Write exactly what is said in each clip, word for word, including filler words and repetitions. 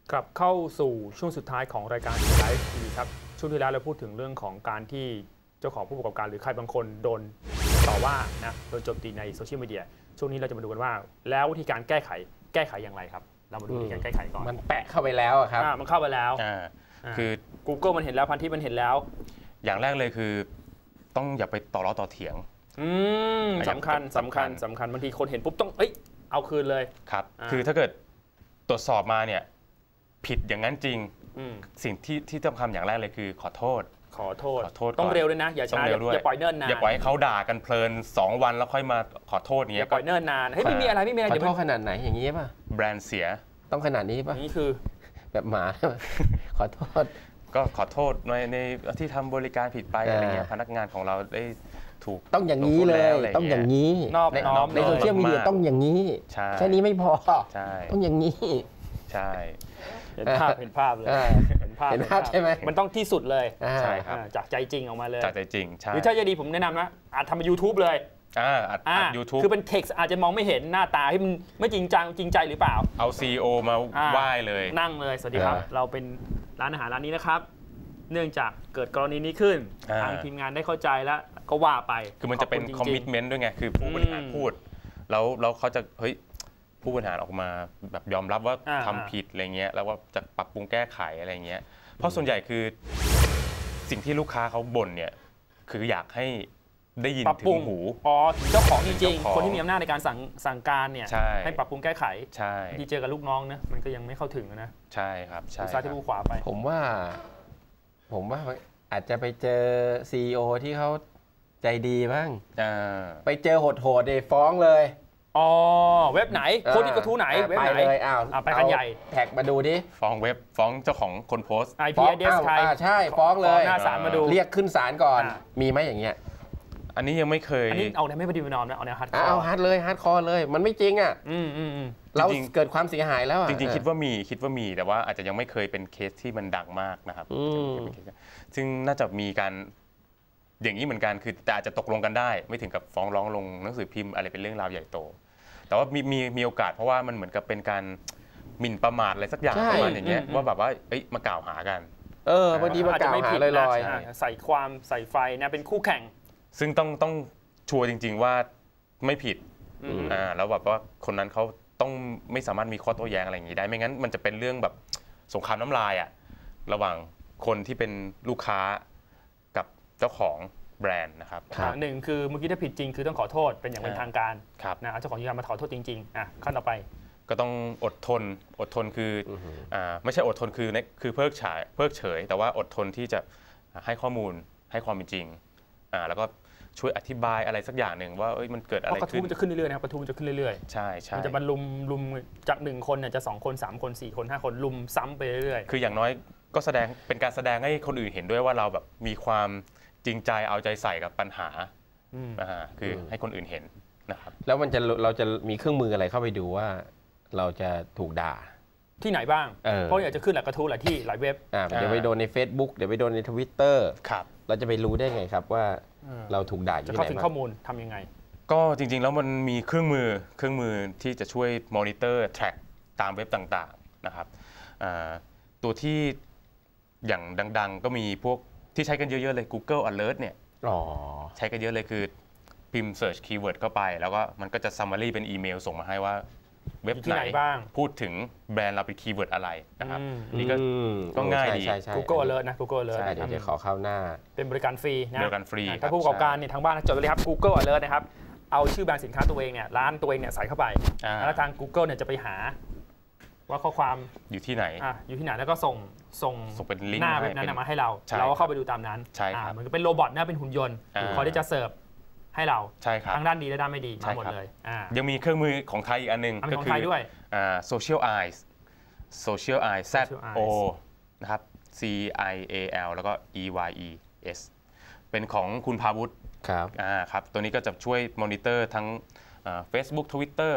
กลับเข้าสู่ช่วงสุดท้ายของรายการไลฟ์ทีวีครับช่วงที่แล้วเราพูดถึงเรื่องของการที่เจ้าของผู้ประกอบการหรือใครบางคนโดนต่อว่านะโดนโจมตีในโซเชียลมีเดียช่วงนี้เราจะมาดูกันว่าแล้ววิธีการแก้ไขแก้ไขอย่างไรครับเรามาดูวิธีการแก้ไขก่อนมันแปะเข้าไปแล้วครับมันเข้าไปแล้วคือ Google มันเห็นแล้วพันทิปมันเห็นแล้วอย่างแรกเลยคือต้องอย่าไปต่อล้อต่อเถียงอืมสำคัญสำคัญสำคัญบางทีคนเห็นปุ๊บต้องเอ้ยเอาคืนเลยครับคือถ้าเกิดตรวจสอบมาเนี่ยผิดอย่างนั้นจริงสิ่งที่ที่ต้องทำอย่างแรกเลยคือขอโทษขอโทษขอโทษต้องเร็วด้วยนะอย่าช้าอย่าปล่อยเนิ่นนานอย่าปล่อยให้เขาด่ากันเพลินสองวันแล้วค่อยมาขอโทษอย่างเงี้ยอย่าปล่อยเนิ่นนานเฮ้ยไม่มีอะไรไม่มีอะไรขอโทษขนาดไหนอย่างนี้ป่ะแบรนด์เสียต้องขนาดนี้ป่ะนี่คือแบบหมาขอโทษก็ขอโทษในในที่ทำบริการผิดไปอะไรเงี้ยพนักงานของเราได้ถูกต้องอย่างนี้เลยต้องอย่างนี้นอบน้อมในโซเชียลมีเดียต้องอย่างนี้แค่นี้ไม่พอต้องอย่างนี้ใช่เห็นภาพเห็นภาพเลยเห็นภาพเห็นภาพใช่ไหมมันต้องที่สุดเลยใช่ครับจากใจจริงออกมาเลยจากใจจริงใช่หรือถ้าจะดีผมแนะนำนะอาจทำเป็น ยูทูบ เลยอ่าอัดยูทูบคือเป็นเท็กซ์อาจจะมองไม่เห็นหน้าตาที่มันไม่จริงจังจริงใจหรือเปล่าเอา ซี อี โอ มาไหว้เลยนั่งเลยสวัสดีครับเราเป็นร้านอาหารร้านนี้นะครับเนื่องจากเกิดกรณีนี้ขึ้นทางทีมงานได้เข้าใจแล้วก็ว่าไปคือมันจะเป็นคอมมิตเมนต์ด้วยไงคือผู้บริหารพูดแล้วแล้วเขาจะเฮ้ยผู้บริหารออกมาแบบยอมรับว่าทำผิดอะไรเงี้ยแล้วว่าจะปรับปรุงแก้ไขอะไรเงี้ยเพราะส่วนใหญ่คือสิ่งที่ลูกค้าเขาบ่นเนี่ยคืออยากให้ได้ยินถึงหูอ๋อถึงเจ้าของจริงๆคนที่มีอำนาจในการสั่งสั่งการเนี่ยให้ปรับปรุงแก้ไขใช่ที่เจอกับลูกน้องนะมันก็ยังไม่เข้าถึงนะใช่ครับใช่ซ้ายที่ผู้ขวาไปผมว่าผมว่าอาจจะไปเจอ ซี อี โอ ที่เขาใจดีบ้างไปเจอโหดๆเดฟ้องเลยอ๋อเว็บไหนโค้ดที่กระทู้ไหนเว็บไหนไปเลยอ้าวไปกันใหญ่แท็กมาดูดิฟ้องเว็บฟ้องเจ้าของคนโพสต์ไอ พี แอดเดรส ใครใช่ฟ้องเลยหน้าศาลมาดูเรียกขึ้นศาลก่อนมีไหมอย่างเงี้ยอันนี้ยังไม่เคยอันนี้เอาแนวไม่ปฏิบัตินอมนะเอาแนวฮาร์ดคอร์เอาฮาร์ดเลยฮาร์ดคอร์เลยมันไม่จริงอ่ะอืมอืมเราเกิดความเสียหายแล้วจริงๆคิดว่ามีคิดว่ามีแต่ว่าอาจจะยังไม่เคยเป็นเคสที่มันดังมากนะครับซึ่งน่าจะมีการอย่างนี้เหมือนกันคือแต่อาจจะตกลงกันได้ไม่ถึงกับฟ้องร้องลงหนังสือพิมพ์อะไรเป็นเรื่องราวใหญ่โตแต่ว่ามีมีมีโอกาสเพราะว่ามันเหมือนกับเป็นการหมิ่นประมาทอะไรสักอย่างประมาณอย่างเงี้ยว่าแบบว่าเอ้ยมากล่าวหากันเออบางทีมากล่าวหาลอยๆใส่ความใส่ไฟนะเป็นคู่แข่งซึ่งต้องต้องชัวร์จริงๆว่าไม่ผิดอ่าแล้วแบบว่าคนนั้นเขาต้องไม่สามารถมีข้อโต้แย้งอะไรอย่างนี้ได้ไม่งั้นมันจะเป็นเรื่องแบบสงครามน้ำลายอ่ะระหว่างคนที่เป็นลูกค้ากับเจ้าของแบรนด์นะครับหนึ่งคือเมื่อกี้ถ้าผิดจริงคือต้องขอโทษเป็นอย่างเป็นทางการนะเจ้าของกิจการมาขอโทษจริงๆอ่ะขั้นต่อไปก็ต้องอดทนอดทนคืออ่าไม่ใช่อดทนคือคือเพิกเฉยเพิกเฉยแต่ว่าอดทนที่จะให้ข้อมูลให้ความเป็นจริงอ่าแล้วก็ช่วยอธิบายอะไรสักอย่างหนึ่งว่าเอ้ยมันเกิดอะไรขึ้นกระทู้มันจะขึ้นเรื่อยๆนะครับกระทู้มันจะขึ้นเรื่อยๆใช่ใช่มันจะบรรลุมลุมจากหนึ่งคนเนี่ยจะสองคนสามคนสี่คนห้าคนลุมซ้ำไปเรื่อยๆคืออย่างน้อยก็แสดงเป็นการแสดงให้คนอื่นเห็นด้วยว่าเราแบบมีความจริงใจเอาใจใส่กับปัญหาอ่าคือให้คนอื่นเห็นนะครับแล้วมันจะเราจะมีเครื่องมืออะไรเข้าไปดูว่าเราจะถูกด่าที่ไหนบ้างเพราะอยากจะขึ้นหลายกระทู้หลายที่หลายเว็บเดี๋ยวไปโดนใน Facebook เดี๋ยวไปโดนใน Twitter ครับเราจะไปรู้ได้ไงครับว่าเราถูกด่าอยู่ที่ไหนจะเข้าถึงข้อมูลทำยังไงก็จริงๆแล้วมันมีเครื่องมือเครื่องมือที่จะช่วยมอนิเตอร์แทร็กตามเว็บต่างๆนะครับตัวที่อย่างดังๆก็มีพวกที่ใช้กันเยอะๆเลย Google Alert เนี่ยใช้กันเยอะเลยคือพิมพ์ search keyword เข้าไปแล้วก็มันก็จะ summary เป็นอีเมลส่งมาให้ว่าเว็บไหนพูดถึงแบรนด์เราเป็นคีย์เวิร์ดอะไรนะครับนี่ก็ก็ง่ายดี Google Alert นะ Google Alert เดี๋ยวจะขอเข้าหน้าเป็นบริการฟรีนะบริการฟรีถ้าผู้ประกอบการเนี่ยทางบ้านจดเลยครับ Google Alert นะครับเอาชื่อแบรนด์สินค้าตัวเองเนี่ยร้านตัวเองเนี่ยใส่เข้าไปแล้วทาง Google เนี่ยจะไปหาว่าข้อความอยู่ที่ไหนอ่ะอยู่ที่ไหนแล้วก็ส่งส่งเป็นลิงก์หน้าเว็บนั้นมาให้เราเราก็เข้าไปดูตามนั้นใช่ครับมันก็เป็นโรบอทนะเป็นหุ่นยนต์คอยที่จะเสิร์ฟให้เราใช่ครับทั้งด้านดีและด้านไม่ดีมาหมดเลยยังมีเครื่องมือของไทยอีกอันนึงก็คือ Social Eyes Social Eyes Z O นะครับ C I A L แล้วก็ E Y E S เป็นของคุณภาวุฒิครับอ่าครับตัวนี้ก็จะช่วยมอนิเตอร์ทั้ง Facebook Twitter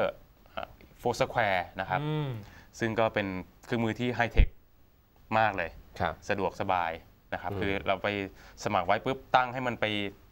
Foursquare นะครับซึ่งก็เป็นเครื่องมือที่ไฮเทคมากเลยสะดวกสบายนะครับคือเราไปสมัครไว้ปุ๊บตั้งให้มันไป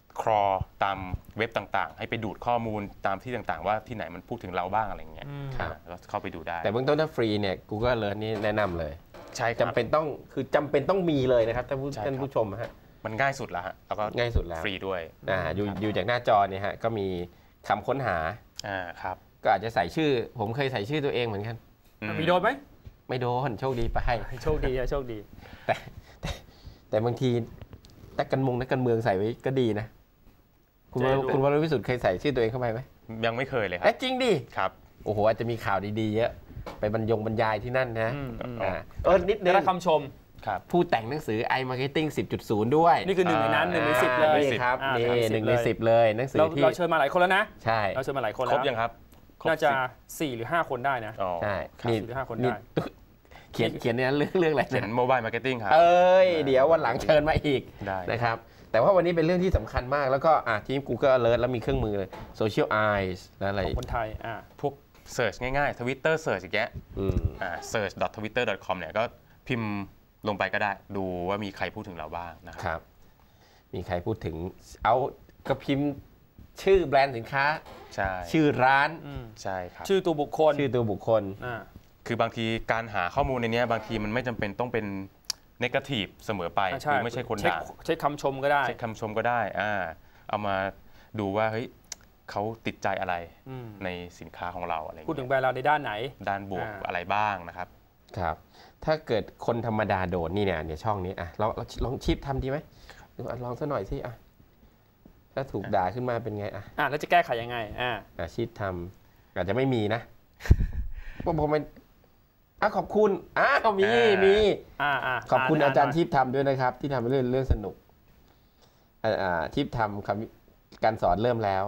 ครอตามเว็บต่างๆให้ไปดูดข้อมูลตามที่ต่างๆว่าที่ไหนมันพูดถึงเราบ้างอะไรอย่างเงี้ยแล้วเข้าไปดูได้แต่เบื้องต้นถ้าฟรีเนี่ย Google Alert นี่แนะนำเลยใช่จำเป็นต้องคือจำเป็นต้องมีเลยนะครับท่านผู้ท่านผู้ชมฮะมันง่ายสุดแล้วฮะแล้วก็ง่ายสุดแล้วฟรีด้วยอ่าอยู่อยู่จากหน้าจอเนี่ยฮะก็มีคำค้นหาอ่าครับก็อาจจะใส่ชื่อผมเคยใส่ชื่อตัวเองเหมือนกันมีโดนไหมไม่โดนโชคดีไปโชคดีโชคดีแต่แต่แต่บางทีนักการเมืองนักการเมืองใส่ไว้ก็ดีนะคุณคุณวรวิสุทธิ์เคยใส่ชื่อตัวเองเข้าไปไหมยังไม่เคยเลยครับจริงดิครับโอ้โหอาจจะมีข่าวดีๆเยอะไปบรรยงบรรยายที่นั่นนะเออนิดนึงได้คำชมผู้แต่งหนังสือ iMarketing สิบจุดศูนย์ ด้วยนี่คือหนึ่งในนั้นหนึ่งในสิบเลยครับนี่หนึ่งในสิบเลยหนังสือที่เราเชิญมาหลายคนแล้วนะใช่เราเชิญมาหลายคนแล้วครบยังครับน่าจะสี่หรือห้าคนได้นะใช่สี่หรือห้าคนได้เขียนเขียนเนี่ยเรื่องเรื่องอะไรเขียนโมบายมาร์เก็ตติ้งครับเอ้ยเดี๋ยววันหลังเชิญมาอีกนะครับแต่ว่าวันนี้เป็นเรื่องที่สำคัญมากแล้วก็อ่ะทีม Google Alert แล้วมีเครื่องมือเลย Social Eyes และอะไรของคนไทยอ่ะพวกเสิร์ชง่ายๆ Twitter เสิร์ชอย่างเงี้ยอ่า เสิร์ช ดอท ทวิตเตอร์ ดอท คอม เนี่ยก็พิมพ์ลงไปก็ได้ดูว่ามีใครพูดถึงเราบ้างนะครับมีใครพูดถึงเอาก็พิมพ์ชื่อแบรนด์สินค้าใช่ชื่อร้านใช่ครับชื่อตัวบุคคลชื่อตัวบุคคลอ่าคือบางทีการหาข้อมูลในนี้บางทีมันไม่จำเป็นต้องเป็นเนกาทีฟเสมอไปคือไม่ใช่คนด่าใช้คำชมก็ได้ใช้คำชมก็ได้อ่าเอามาดูว่าเฮ้ยเขาติดใจอะไรในสินค้าของเราอะไรพูดถึงแบรนด์เราในด้านไหนด้านบวกอะไรบ้างนะครับครับถ้าเกิดคนธรรมดาโดดนี่เนี่ยเนี่ยช่องนี้อ่ะลองลองชีพทำดีไหมลองสักหน่อยสิอ่ะถ้าถูกด่าขึ้นมาเป็นไงอ่ะอ่ะแล้วจะแก้ไขยังไงอ่ะอาชีพทำอาจจะไม่มีนะผมผมเป็นอ่ะขอบคุณอ่ะมีมีอ่าอ่าขอบคุณอาจารย์ทิพย์ทำด้วยนะครับที่ทำเรื่องเรื่องสนุกอ่าทิพย์ทำคำการสอนเริ่มแล้ว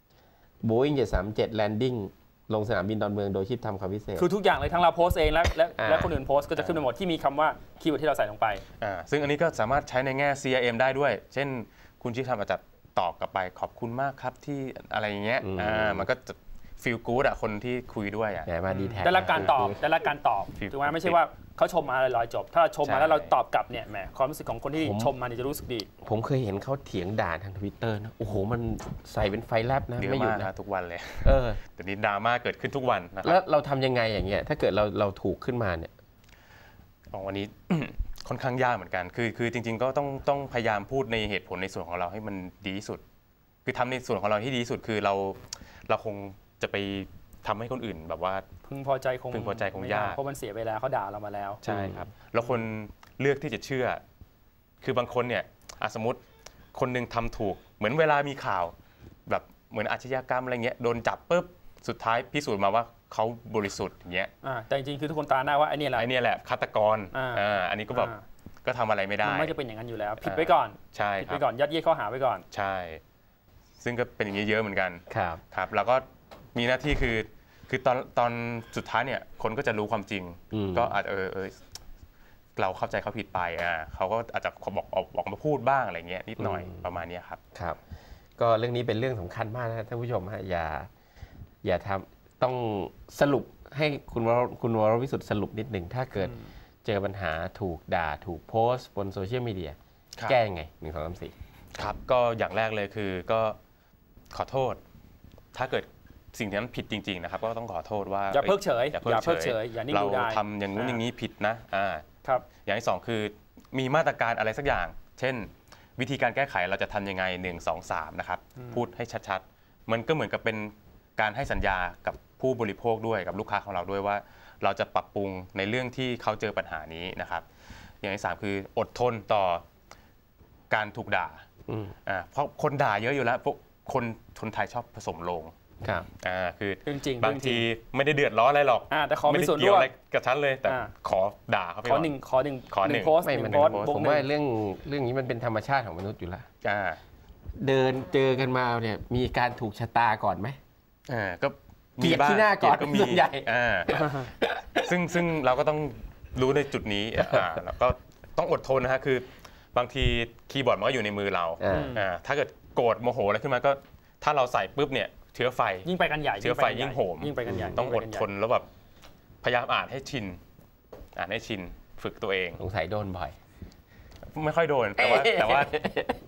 Boeing เจ็ดสามเจ็ด Landing ลงสนามบินดอนเมืองโดยทิพย์ทำคำพิเศษคือทุกอย่างเลยทั้งเราโพสเองและและและคนอื่นโพสก็จะขึ้นไปหมดที่มีคำว่าคีย์เวิร์ดที่เราใส่ลงไปอ่าซึ่งอันนี้ก็สามารถใช้ในแง่ ซี อาร์ เอ็ม ได้ด้วยเช่นคุณทิพย์ทำอาจจะตอบกลับไปขอบคุณมากครับที่อะไรอย่างเงี้ยอ่ามันก็จะฟีลกู๊ดอะคนที่คุยด้วยอะมาดีแท็กได้รับการตอบได้รับการตอบถูกไหมไม่ใช่ว่าเขาชมมาลอยๆจบถ้าเราชมมาแล้วเราตอบกลับเนี่ยแหมความรู้สึกของคนที่ชมมาเนี่ยจะรู้สึกดีผมเคยเห็นเขาเถียงด่าทาง Twitter นะโอ้โหมันใส่เป็นไฟแลบนะไม่หยุดนะทุกวันเลยเออแต่นี้ดราม่าเกิดขึ้นทุกวันนะครับแล้วเราทำยังไงอย่างเงี้ยถ้าเกิดเราเราถูกขึ้นมาเนี่ยวันนี้ ค่อนข้างยากเหมือนกันคือคือจริงๆก็ต้องต้องพยายามพูดในเหตุผลในส่วนของเราให้มันดีที่สุดคือทำในส่วนของเราที่ดีที่สุดคือเราเราคงจะไปทำให้คนอื่นแบบว่าพึงพอใจคงพึงพอใจคงยากเพราะมันเสียไปแล้วเขาด่าเรามาแล้วใช่ครับแล้วคนเลือกที่จะเชื่อคือบางคนเนี่ยสมมติคนนึงทำถูกเหมือนเวลามีข่าวแบบเหมือนอาชญากรรมอะไรเงี้ยโดนจับปุ๊บสุดท้ายพิสูจน์มาว่าเขาบริสุทธิ์อย่างเงี้ยแต่จริงๆคือทุกคนตาหน้าว่าไอ้นี่แหละไอ้นี่แหละฆาตกรอ่าอันนี้ก็แบบก็ทำอะไรไม่ได้มันไม่จะเป็นอย่างนั้นอยู่แล้วผิดไปก่อนใช่ผิดไปก่อนยัดเยียดข้อหาไว้ก่อนใช่ซึ่งก็เป็นอย่างนี้เยอะเหมือนกันครับครับแล้วก็มีหน้าที่คือคือตอนตอนสุดท้ายเนี่ยคนก็จะรู้ความจริงก็อาจจะเออเออเราเข้าใจเขาผิดไปอ่าเขาก็อาจจะบอกออกมาพูดบ้างอะไรเงี้ยนิดหน่อยประมาณนี้ครับครับก็เรื่องนี้เป็นเรื่องสำคัญมากนะท่านผู้ชมฮะอย่าอย่าทำต้องสรุปให้คุณคุณวรวิสุทธิ์สรุปนิดหนึ่งถ้าเกิดเจอปัญหาถูกด่าถูกโพสต์บนโซเชียลมีเดียแก้ยังไงหนึ่งสองสามสี่ครับก็อย่างแรกเลยคือก็ขอโทษถ้าเกิดสิ่งที่นั้นผิดจริงๆนะครับก็ต้องขอโทษว่าอย่าเพิกเฉยอย่าเพิกเฉยอย่านิ่งดูได้เราทำอย่างนู้นอย่างนี้ผิดนะอ่าครับอย่างที่สองคือมีมาตรการอะไรสักอย่างเช่นวิธีการแก้ไขเราจะทำยังไงหนึ่ง สอง สามนะครับพูดให้ชัดๆมันก็เหมือนกับเป็นการให้สัญญากับผู้บริโภคด้วยกับลูกค้าของเราด้วยว่าเราจะปรับปรุงในเรื่องที่เขาเจอปัญหานี้นะครับอย่างที่สามคืออดทนต่อการถูกด่าอ่าเพราะคนด่าเยอะอยู่แล้วพวกคนคนไทยชอบผสมโลงครับอ่าคือจริงบางทีไม่ได้เดือดร้อนอะไรหรอกอ่าแต่ขอไม่ได้เกี่ยวอะไรกับฉันเลยแต่ขอด่าเขาไปขอหนึ่งขอหนึ่งขอหนึ่งโพสต์หนึ่งโพสต์ผมว่าเรื่องเรื่องนี้มันเป็นธรรมชาติของมนุษย์อยู่แล้วอ่าเดินเจอกันมาเนี่ยมีการถูกชะตาก่อนไหมอ่าก็มีบ้างที่หน้าก่อนก็มีใหญ่อ่าซึ่งซึ่งเราก็ต้องรู้ในจุดนี้อ่าแล้วก็ต้องอดทนนะฮะคือบางทีคีย์บอร์ดมันก็อยู่ในมือเราอ่าถ้าเกิดโกรธโมโหอะไรขึ้นมาก็ถ้าเราใส่ปุ๊บเนี่ยเชื้อไฟยิ่งไปกันใหญ่เชื้อไฟยิ่งโหมยิ่งไปกันใหญ่ต้องอดทนแล้วแบบพยายามอ่านให้ชินอ่านให้ชินฝึกตัวเองสงสัยโดนบ่อยไม่ค่อยโดนแต่ว่าแต่ว่า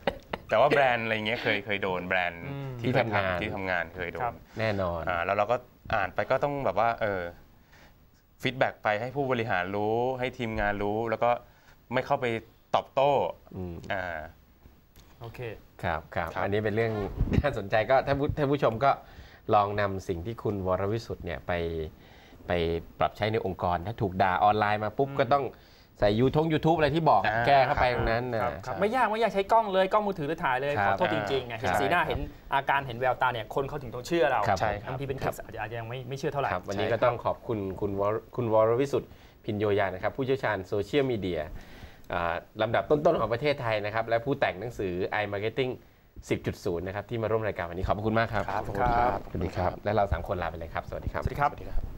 แต่ว่าแบรนด์อะไรเงี้ยเคยเคยโดนแบรนด์อืมที่ที่ทำงานที่ทำงานเคยโดครันบแน่นอนอ่าแล้วเราก็อ่านไปก็ต้องแบบว่าเออฟีดแบ็กไปให้ผู้บริหารรู้ให้ทีมงานรู้แล้วก็ไม่เข้าไปตอบโต้อืมอ่าโอเคครับครับครับอันนี้เป็นเรื่อง น่าสนใจก็ท่านผู้ท่านผู้ชมก็ลองนำสิ่งที่คุณวรวิสุทธ์เนี่ยไปไปปรับใช้ในองค์กร ถ้าถูกด่าออนไลน์มาปุ๊บอืมก็ต้องใส่ยูทงยูทูบอะไรที่บอกอ่าแก้เข้าไปตรงนั้นนะครับครับไม่ยากไม่ยากใช้กล้องเลยกล้องมือถือหรือถ่ายเลยครัขบอโทษจริงๆไงเห็นใช่สีหน้าครับเห็นอาการเห็นแววตาเนี่ยคนเขาถึงต้องเชื่อเราครับใช่ครับบางทีเป็นเคสอาจจะอาจจะยังไม่ไม่เชื่อเท่าไหร่ครับวันนี้ใช่ก็ครับต้องขอบคุณคุณวรคุณวรวิสุทธิ์พินโยยานะครับผู้เชี่ยวชาญโซเชียลมีเดียอ่าลำดับต้นๆของประเทศไทยนะครับและผู้แต่งหนังสือ iMarketing สิบจุดศูนย์ นะครับที่มาร่วมรายการวันนี้ขอบคุณมากครับครับขอบคุณครับสวัสดีครับและเราสามคนลาไปเลยครับสวัสดีครับสวัสดีครับสวัสดีครับ